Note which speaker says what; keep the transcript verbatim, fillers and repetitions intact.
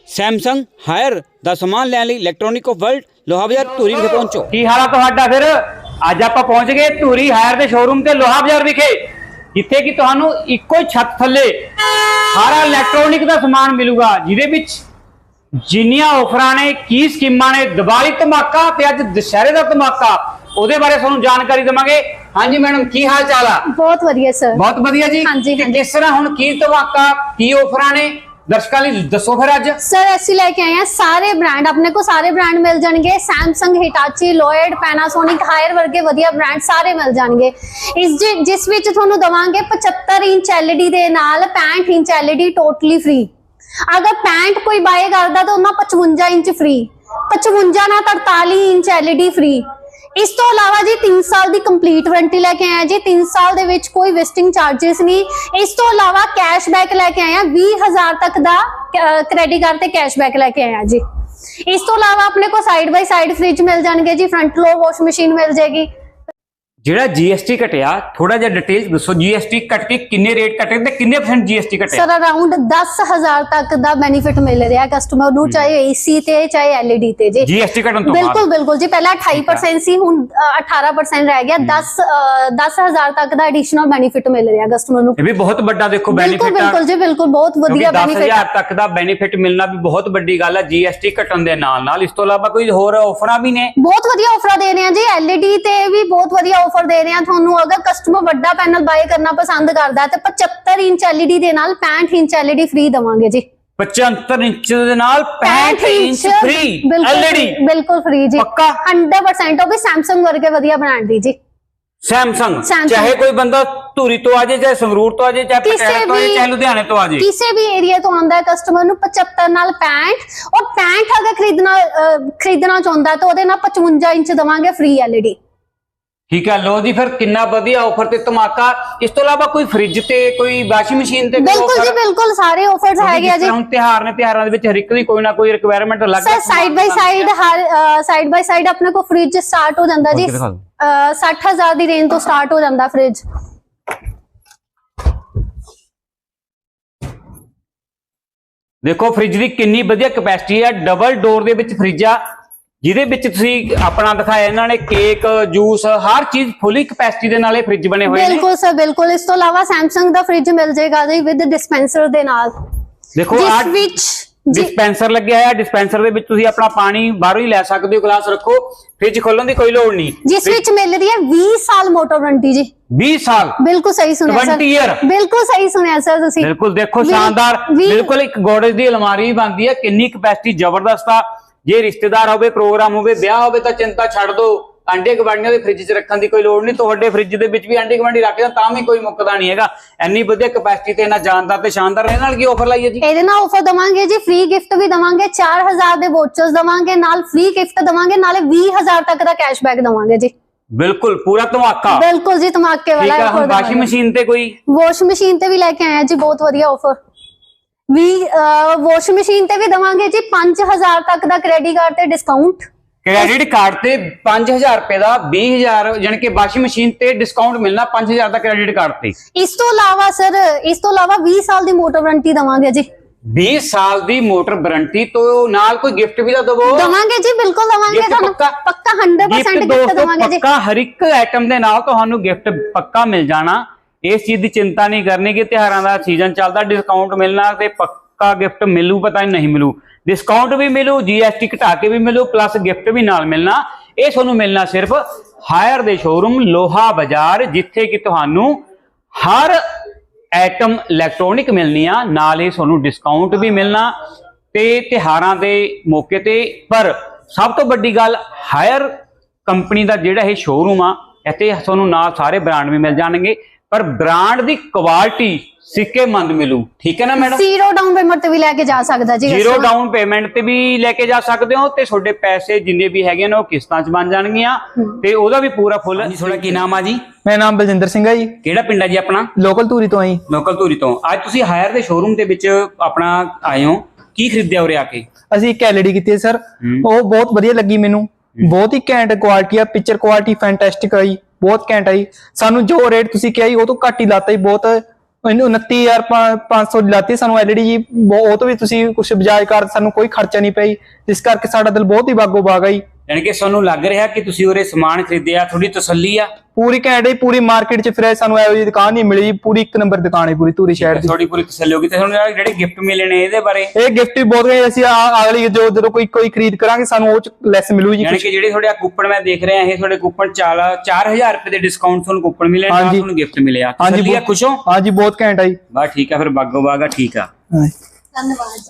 Speaker 1: Samsung higher ਦਾ ਸਮਾਨ ਲੈਣ ਲਈ ਇਲੈਕਟ੍ਰੋਨਿਕ ਆਫ ਵਰਲਡ ਲੋਹਾ ਬਾਜ਼ਾਰ ਧੂਰੀ ਵਿਖੇ ਪਹੁੰਚੋ।
Speaker 2: ਕੀ ਹਾਲ ਆ ਤੁਹਾਡਾ? ਫਿਰ ਅੱਜ ਆਪਾਂ ਪਹੁੰਚ ਗਏ ਧੂਰੀ ਹਾਇਰ ਦੇ ਸ਼ੋਰੂਮ ਤੇ ਲੋਹਾ ਬਾਜ਼ਾਰ ਵਿਖੇ, ਜਿੱਥੇ ਕਿ ਤੁਹਾਨੂੰ ਇੱਕੋ ਹੀ ਛੱਤ ਥੱਲੇ ਸਾਰਾ ਇਲੈਕਟ੍ਰੋਨਿਕ ਦਾ ਸਮਾਨ ਮਿਲੂਗਾ, ਜਿਹਦੇ ਵਿੱਚ ਜਿੰਨੀਆਂ ਆਫਰਾਂ ਨੇ, ਕੀ ਸਕੀਮਾਂ ਨੇ, ਦੀਵਾਲੀ ਧਮਾਕਾ ਤੇ ਅੱਜ ਦੁਸ਼ਹਿਰੇ ਦਾ ਧਮਾਕਾ, ਉਹਦੇ ਬਾਰੇ ਤੁਹਾਨੂੰ ਜਾਣਕਾਰੀ ਦੇਵਾਂਗੇ। ਹਾਂਜੀ मैडम, की हाल चाल आ?
Speaker 3: बहुत वधिया सर।
Speaker 2: बहुत वधिया जी।
Speaker 3: हाँ जी, हाँ जी।
Speaker 2: किस तरह हुण की धमाका की ऑफरां ने दर्शकों लई दसो फिर अज।
Speaker 3: सर ऐसे लेके आए हैं सारे ब्रांड, अपने को सारे ब्रांड मिल जाएंगे। Samsung, Hitachi, Lloyd, Panasonic, Haier वर्गे वधिया ब्रांड सारे मिल जाएंगे। इस जि, जिस विच तुहानू दवांगे पचहत्तर इंच एलईडी दे नाल पैंठ इंच एलईडी टोटली फ्री। अगर पैंठ कोई बाय करदा तो उन्हां पचवंजा इंच फ्री, पचवंजा ना तरताली इंच एलईडी फ्री। इस तो अलावा जी तीन साल की कंप्लीट वारंटी लेके आए जी, तीन साल दे विच कोई वेस्टिंग चार्जेस नहीं। इस तो अलावा कैशबैक लेके आए हैं, बीस हजार तक दा क्रेडिट कार्ड ते कैशबैक लेके आए हैं जी। इस तो अलावा अपने को साइड बाय साइड फ्रिज मिल जाएंगे जी, फ्रंट लो वॉश मशीन मिल जाएगी।
Speaker 2: ਜਿਹੜਾ ਜੀਐਸਟੀ ਘਟਿਆ, ਥੋੜਾ ਜਿਹਾ ਡਿਟੇਲ ਦੱਸੋ। ਜੀਐਸਟੀ ਕੱਟ ਕੇ ਕਿੰਨੇ ਰੇਟ ਕੱਟੇ ਤੇ ਕਿੰਨੇ ਪਰਸੈਂਟ ਜੀਐਸਟੀ ਘਟਿਆ?
Speaker 3: सर अराउंड दस हजार तक ਦਾ बेनिफिट मिल रहा है कस्टमर ਨੂੰ, ਚਾਹੇ ਏਸੀ ਤੇ ਚਾਹੇ ਐਲਈਡੀ ਤੇ ਜੀ।
Speaker 2: ਜੀਐਸਟੀ ਘਟਣ ਤੋਂ ਬਾਅਦ
Speaker 3: ਬਿਲਕੁਲ ਬਿਲकुल जी, ਪਹਿਲਾਂ अट्ठाईस परसेंट ਸੀ, ਹੁਣ अठारह परसेंट ਰਹਿ ਗਿਆ। दस दस हजार तक ਦਾ ਐਡੀਸ਼ਨਲ ਬੈਨੀਫਿਟ ਮਿਲ ਰਿਹਾ ਕਸਟਮਰ ਨੂੰ।
Speaker 2: ਇਹ ਵੀ ਬਹੁਤ ਵੱਡਾ ਦੇਖੋ
Speaker 3: ਬਿਲਕੁਲ
Speaker 2: ਬੈਨੀਫਿਟ ਆ।
Speaker 3: ਬਿਲਕੁਲ ਜੀ, ਬਿਲਕੁਲ ਬਹੁਤ ਵਧੀਆ
Speaker 2: ਬੈਨੀਫਿਟ। दस हजार ਤੱਕ ਦਾ ਬੈਨੀਫਿਟ ਮਿਲਣਾ ਵੀ ਬਹੁਤ ਵੱਡੀ ਗੱਲ ਹੈ ਜੀਐਸਟੀ ਘਟਣ ਦੇ ਨਾਲ ਨਾਲ। ਇਸ ਤੋਂ ਇਲਾਵਾ ਕੋਈ ਹੋਰ ਆਫਰਾਂ ਵੀ ਨੇ?
Speaker 3: ਬਹੁਤ ਵਧੀਆ ਆਫਰਾਂ ਦੇ ਰਹੇ ਆ ਜੀ, ਐਲਈਡੀ ਤੇ ਵੀ ਬਹੁਤ ਵਧੀਆ ਆਫਰ ਦੇ ਰਹੇ ਆ ਤੁਹਾਨੂੰ। अगर कस्टमर ਵੱਡਾ ਪੈਨਲ ਬਾਏ ਕਰਨਾ ਪਸੰਦ ਕਰਦਾ ਹੈ ਤੇ पचहत्तर इंच एलईडी ਦੇ ਨਾਲ पैंठ इंच एलईडी फ्री ਦਵਾਂਗੇ ਜੀ।
Speaker 2: पचहत्तर इंच ਦੇ ਨਾਲ पैंठ इंच फ्री एलईडी
Speaker 3: ਬਿਲकुਲ फ्री जी,
Speaker 2: ਪੱਕਾ
Speaker 3: सौ परसेंट। ਉਹ ਵੀ सैमसंग ਵਰਗੇ ਵਧੀਆ ਬ੍ਰਾਂਡ ਦੀ ਜੀ।
Speaker 2: सैमसंग, चाहे कोई बंदा ਧੂਰੀ ਤੋਂ ਆ ਜਾਏ, ਚਾਹੇ ਸੰਗਰੂਰ ਤੋਂ ਆ ਜਾਏ, ਚਾਹੇ ਪਟਿਆਲਾ ਤੋਂ ਆ ਜਾਏ, ਚਾਹੇ ਲੁਧਿਆਣੇ ਤੋਂ ਆ ਜਾਏ,
Speaker 3: ਕਿਸੇ ਵੀ ਏਰੀਆ ਤੋਂ ਆਉਂਦਾ ਹੈ ਕਸਟਮਰ ਨੂੰ पचहत्तर ਨਾਲ पैंठ, और पैंठ अगर खरीदना खरीदना ਚਾਹੁੰਦਾ ਹੈ ਤਾਂ ਉਹਦੇ ਨਾਲ पचवंजा इंच ਦਵਾਂਗੇ फ्री एलईडी।
Speaker 2: ठीक है। लो जी, फिर कितना बढ़िया ऑफर ते धमाका। इस तो इलावा कोई फ्रिज ते कोई वाशिंग मशीन ते
Speaker 3: बिल्कुल जी, बिल्कुल सारे ऑफर्स हैगे जी।
Speaker 2: ਹੁਣ ਤਿਹਾਰ ਨੇ, ਤਿਹਾਰਾਂ ਦੇ ਵਿੱਚ ਹਰ ਇੱਕ ਦੀ ਕੋਈ ਨਾ ਕੋਈ ਰਿਕੁਆਇਰਮੈਂਟ ਲੱਗ
Speaker 3: ਸਰ ਸਾਈਡ ਬਾਈ ਸਾਈਡ ਹਰ ਸਾਈਡ ਬਾਈ ਸਾਈਡ ਆਪਣੇ ਕੋ ਫ੍ਰਿਜ ਸਟਾਰਟ ਹੋ ਜਾਂਦਾ ਜੀ, साठ हजार ਦੀ ਰੇਂਜ ਤੋਂ ਸਟਾਰਟ ਹੋ ਜਾਂਦਾ ਫ੍ਰਿਜ।
Speaker 2: ਦੇਖੋ ਫ੍ਰਿਜ ਦੀ ਕਿੰਨੀ ਵਧੀਆ ਕੈਪੈਸਿਟੀ ਹੈ। ਡਬਲ ਡੋਰ ਦੇ ਵਿੱਚ ਫ੍ਰਿਜ ਆ, ਜਿਹਦੇ ਵਿੱਚ ਤੁਸੀਂ ਆਪਣਾ ਦਿਖਾਇਆ ਇਹਨਾਂ ਨੇ ਕੇਕ, ਜੂਸ, ਹਰ ਚੀਜ਼ ਫੁੱਲੀ ਕੈਪੈਸਿਟੀ ਦੇ ਨਾਲ ਇਹ ਫ੍ਰਿਜ ਬਣੇ ਹੋਏ ਨੇ।
Speaker 3: ਬਿਲਕੁਲ ਸਰ, ਬਿਲकुल। ਇਸ ਤੋਂ ਇਲਾਵਾ ਸੈਮਸੰਗ ਦਾ ਫ੍ਰਿਜ ਮਿਲ ਜਾਏਗਾ ਜੀ ਵਿਦ ਡਿਸਪੈਂਸਰ ਦੇ ਨਾਲ।
Speaker 2: ਦੇਖੋ
Speaker 3: ਜਿਸ ਵਿੱਚ
Speaker 2: डिस्पेंसर लगे है। डिस्पेंसर ਦੇ ਵਿੱਚ ਤੁਸੀਂ ਆਪਣਾ ਪਾਣੀ ਬਾਹਰੋਂ ਹੀ ਲੈ ਸਕਦੇ ਹੋ, ਗਲਾਸ ਰੱਖੋ, ਫ੍ਰਿਜ ਖੋਲਣ ਦੀ ਕੋਈ ਲੋੜ ਨਹੀਂ।
Speaker 3: ਜਿਸ ਵਿੱਚ ਮਿਲ ਰਹੀ ਹੈ बीस ਸਾਲ ਮੋਟਰ ਵਾਰੰਟੀ ਜੀ।
Speaker 2: बीस ਸਾਲ?
Speaker 3: ਬਿਲਕੁਲ ਸਹੀ ਸੁਣਿਆ ਸਰ,
Speaker 2: बीस ईयर।
Speaker 3: ਬਿਲਕੁਲ ਸਹੀ ਸੁਣਿਆ ਸਰ ਤੁਸੀਂ।
Speaker 2: ਬਿਲਕੁਲ ਦੇਖੋ ਸ਼ਾਨਦਾਰ, ਬਿਲਕੁਲ ਇੱਕ ਗੋਦਰੇਜ ਦੀ ਅਲਮਾਰੀ ਬਣਦੀ ਹੈ। ਕਿੰਨੀ ਕੈਪੈਸਿਟੀ ਜ਼ਬਰਦਸਤ ਆ। ਜੇ ਰਿਸ਼ਤੇਦਾਰ ਹੋਵੇ, ਪ੍ਰੋਗਰਾਮ ਹੋਵੇ, ਵਿਆਹ ਹੋਵੇ ਤਾਂ ਚਿੰਤਾ ਛੱਡ ਦੋ, ਆਂਡੇ ਗਵਾਂਡੀਆਂ ਦੇ ਫ੍ਰਿਜ 'ਚ ਰੱਖਣ ਦੀ ਕੋਈ ਲੋੜ ਨਹੀਂ। ਤੁਹਾਡੇ ਫ੍ਰਿਜ ਦੇ ਵਿੱਚ ਵੀ ਆਂਡੇ ਗਵਾਂਡੀ ਰੱਖ ਜਾਂ ਤਾਂ ਵੀ ਕੋਈ ਮੁੱਕਦਾ ਨਹੀਂ ਹੈਗਾ। ਇੰਨੀ ਵਧੀਆ ਕੈਪੈਸਿਟੀ ਤੇ ਇਹਨਾਂ ਜਾਨਦਾਰ ਤੇ ਸ਼ਾਨਦਾਰ। ਇਹਨਾਂ ਨਾਲ ਕੀ ਆਫਰ ਲਾਈ ਹੈ ਜੀ?
Speaker 3: ਇਹਦੇ ਨਾਲ ਆਫਰ ਦਵਾਂਗੇ ਜੀ, ਫ੍ਰੀ ਗਿਫਟ ਵੀ ਦਵਾਂਗੇ, चार हजार ਦੇ ਵੋਚਰਸ ਦਵਾਂਗੇ, ਨਾਲ ਫ੍ਰੀ ਗਿਫਟ ਦਵਾਂਗੇ, ਨਾਲੇ बीस हजार ਤੱਕ ਦਾ ਕੈਸ਼ਬੈਕ ਦਵਾਂਗੇ ਜੀ।
Speaker 2: ਬਿਲਕੁਲ ਪੂਰਾ ਧਮਾਕਾ।
Speaker 3: ਬਿਲकुल ਜੀ, ਧਮਾਕੇ ਵਾਲਾ ਆਫਰ।
Speaker 2: ਵਾਸ਼ਿੰਗ ਮਸ਼ੀਨ ਤੇ ਕੋਈ?
Speaker 3: ਵਾਸ਼ ਮਸ਼ੀਨ ਤੇ ਵੀ ਲੈ ਕੇ ਆਏ ਆ ਜੀ, ਬਹੁਤ ਵਧੀਆ ਆਫਰ ਵੀ। ਵਾਸ਼ ਮਸ਼ੀਨ ਤੇ ਵੀ ਦਵਾਂਗੇ ਜੀ पांच हजार ਤੱਕ ਦਾ ਕ੍ਰੈਡਿਟ ਕਾਰਡ ਤੇ ਡਿਸਕਾਊਂਟ।
Speaker 2: ਕ੍ਰੈਡਿਟ ਕਾਰਡ ਤੇ पांच हजार रुपए ਦਾ बीस हजार, ਯਾਨੀ ਕਿ ਵਾਸ਼ਿੰਗ ਮਸ਼ੀਨ ਤੇ ਡਿਸਕਾਊਂਟ ਮਿਲਣਾ पांच हजार ਦਾ ਕ੍ਰੈਡਿਟ ਕਾਰਡ ਤੇ।
Speaker 3: ਇਸ ਤੋਂ ਇਲਾਵਾ ਸਰ, ਇਸ ਤੋਂ ਇਲਾਵਾ बीस ਸਾਲ ਦੀ ਮੋਟਰ ਵਾਰੰਟੀ ਦਵਾਂਗੇ ਜੀ।
Speaker 2: बीस ਸਾਲ ਦੀ ਮੋਟਰ ਵਾਰੰਟੀ ਤੋਂ ਨਾਲ ਕੋਈ ਗਿਫਟ ਵੀ ਤਾਂ ਦਵੋ?
Speaker 3: ਦਵਾਂਗੇ ਜੀ, ਬਿਲਕੁਲ ਦਵਾਂਗੇ ਤੁਹਾਨੂੰ, ਪੱਕਾ सौ परसेंट ਗਿਫਟ ਦਵਾਂਗੇ ਜੀ।
Speaker 2: ਪੱਕਾ ਹਰ ਇੱਕ ਆਈਟਮ ਦੇ ਨਾਲ ਤੁਹਾਨੂੰ ਗਿਫਟ ਪੱਕਾ ਮਿਲ ਜਾਣਾ। ਇਸ ਚੀਜ਼ ਦੀ ਚਿੰਤਾ ਨਹੀਂ ਕਰਨੀ ਕਿ ਤਿਉਹਾਰਾਂ ਦਾ ਸੀਜ਼ਨ ਚੱਲਦਾ, ਡਿਸਕਾਊਂਟ ਮਿਲਣਾ ਤੇ ਪੱਕਾ ਗਿਫਟ ਮਿਲੂ, ਪਤਾ ਨਹੀਂ ਮਿਲੂ। डिस्काउंट भी मिलू, जीएसटी घटा के भी मिलू, प्लस गिफ्ट भी नाल मिलना। ये तुहानू मिलना सिर्फ हायर दे शोरूम लोहा बाजार, जिथे कि तुहानू हर आइटम इलैक्ट्रॉनिक मिलनी आ, नाल ही तुहानू डिस्काउंट भी मिलना ते त्योहारां दे मौके ते। पर सब तो वड्डी गल, हायर कंपनी दा जिहड़ा ये शोरूम आ, इत्थे तुहानू नाल सारे ब्रांड भी मिल जाणगे, पर ब्रांड दी क्वालिटी सिक्केमंद मिलू। ठीक है ना मैडम?
Speaker 3: जीरो डाउन पेमेंट ਤੇ ਵੀ ਲੈ ਕੇ ਜਾ ਸਕਦਾ ਜੀ।
Speaker 2: जीरो डाउन पेमेंट ਤੇ ਵੀ ਲੈ ਕੇ ਜਾ ਸਕਦੇ ਹੋ ਤੇ ਤੁਹਾਡੇ ਪੈਸੇ ਜਿੰਨੇ ਵੀ ਹੈਗੇ ਨੇ ਉਹ ਕਿਸ਼ਤਾਂ 'ਚ ਬਣ ਜਾਣਗੀਆਂ ਤੇ ਉਹਦਾ ਵੀ ਪੂਰਾ ਫੁੱਲ। ਜੀ ਤੁਹਾਡਾ ਕੀ ਨਾਮ ਆ ਜੀ?
Speaker 4: ਮੇਰਾ ਨਾਮ ਬਲਜਿੰਦਰ ਸਿੰਘ ਹੈ ਜੀ।
Speaker 2: ਕਿਹੜਾ ਪਿੰਡ ਆ ਜੀ ਆਪਣਾ?
Speaker 4: ਲੋਕਲ ਧੂਰੀ ਤੋਂ ਆਈ।
Speaker 2: ਲੋਕਲ ਧੂਰੀ ਤੋਂ। ਅੱਜ ਤੁਸੀਂ ਹਾਇਰ ਦੇ ਸ਼ੋਰੂਮ ਦੇ ਵਿੱਚ ਆਪਣਾ ਆਏ ਹੋ, ਕੀ ਖਰੀਦਿਆ ਉਰੇ ਆ ਕੇ?
Speaker 4: ਅਸੀਂ ਇੱਕ ਐਲਈਡੀ ਕੀਤੀ ਹੈ ਸਰ, ਉਹ ਬਹੁਤ ਵਧੀਆ ਲੱਗੀ ਮੈਨੂੰ। ਬਹੁਤ ਹੀ ਘੈਂਟ ਕੁਆਲਿਟੀ ਆ, ਪਿਕਚਰ ਕੁਆਲਿਟੀ ਫੈਂਟੈਸਟਿਕ ਆਈ, ਬਹੁਤ ਘੈਂਟ ਆਈ। ਸਾਨੂੰ ਜੋ ਰੇਟ ਤੁਸੀਂ ਕਿਹਾ ਜੀ ਉਹ ਤੋਂ ਘੱਟ ਹੀ ਲਾਤਾ ਜੀ, ਬਹੁਤ ਇਹਨੂੰ ਉਨੱਤੀ ਹਜ਼ਾਰ ਪੰਜ ਸੌ ਲਾਤੀ ਸਾਨੂੰ ਐਲਈਡੀ ਜੀ। ਬਹੁ- ਉਹ ਤੋਂ ਵੀ ਤੁਸੀਂ ਕੁਝ ਬਜਾਜ ਕਾਰਡ, ਸਾਨੂੰ ਕੋਈ ਖਰਚਾ ਨਹੀਂ ਪਈ, ਜਿਸ ਕਰਕੇ ਸਾਡਾ ਦਿਲ ਬਹੁਤ ਹੀ ਬਾਗੋ ਬਾਗ ਆ ਜੀ।
Speaker 2: ਯਾਨੀ ਕਿ ਤੁਹਾਨੂੰ ਲੱਗ ਰਿਹਾ ਕਿ ਤੁਸੀਂ ਉਰੇ ਸਮਾਨ ਖਰੀਦਿਆ, ਥੋੜੀ ਤਸੱਲੀ ਆ?
Speaker 4: ਪੂਰੀ ਘੈਂਟ ਹੈ, ਪੂਰੀ ਮਾਰਕੀਟ 'ਚ ਫਿਰ ਸਾਨੂੰ ਇਹੋ ਜਿਹੀ ਦੁਕਾਨ ਨਹੀਂ ਮਿਲੀ, ਪੂਰੀ ਇੱਕ ਨੰਬਰ ਦੁਕਾਨ ਹੈ ਪੂਰੀ ਧੂਰੀ ਸ਼ਹਿਰ ਦੀ।
Speaker 2: ਥੋੜੀ ਪੂਰੀ ਤਸੱਲੀ ਹੋ ਗਈ। ਤੇ ਤੁਹਾਨੂੰ ਜਿਹੜੇ ਗਿਫਟ ਮਿਲੇ ਨੇ ਇਹਦੇ ਬਾਰੇ?
Speaker 4: ਇਹ ਗਿਫਟ ਵੀ ਬਹੁਤ ਗਏ, ਅਸੀਂ ਆ- ਅਗਲੀ ਜੋ ਜਦੋਂ ਕੋਈ ਕੋਈ ਖਰੀਦ ਕਰਾਂਗੇ ਸਾਨੂੰ ਉਹ 'ਚ ਲੈਸ ਮਿਲੂ ਜੀ।
Speaker 2: ਯਾਨੀ ਕਿ ਜਿਹੜੇ ਤੁਹਾਡੇ ਕੂਪਨ ਮੈਂ ਦੇਖ ਰਿਹਾ, ਇਹ ਤੁਹਾਡੇ ਕੂਪਨ ਚਾਰ ਹਜ਼ਾਰ ਰੁਪਏ ਦੇ ਡਿਸਕਾਊਂਟ ਤੁਹਾਨੂੰ ਕੂਪਨ ਮਿਲੇ, ਨਾਲ
Speaker 4: ਹਾਂਜੀ।
Speaker 2: ਤੁਹਾਨੂੰ ਗਿਫਟ ਮਿਲਿਆ।
Speaker 4: ਹਾਂਜੀ
Speaker 2: ਤਸੱਲੀ ਆ,
Speaker 4: ਬਹੁਤ-
Speaker 2: ਖੁਸ਼ ਹੋ?
Speaker 4: ਹਾਂਜੀ ਬਹੁਤ ਘੈਂਟ ਆ ਜੀ।
Speaker 2: ਬਸ ਠੀਕ ਆ, ਫਿਰ ਬਾਗੋ ਬਾਗ ਆ, ਠੀਕ ਆ।
Speaker 4: ਹਾਂਜੀ।
Speaker 3: ਧੰਨਵਾਦ।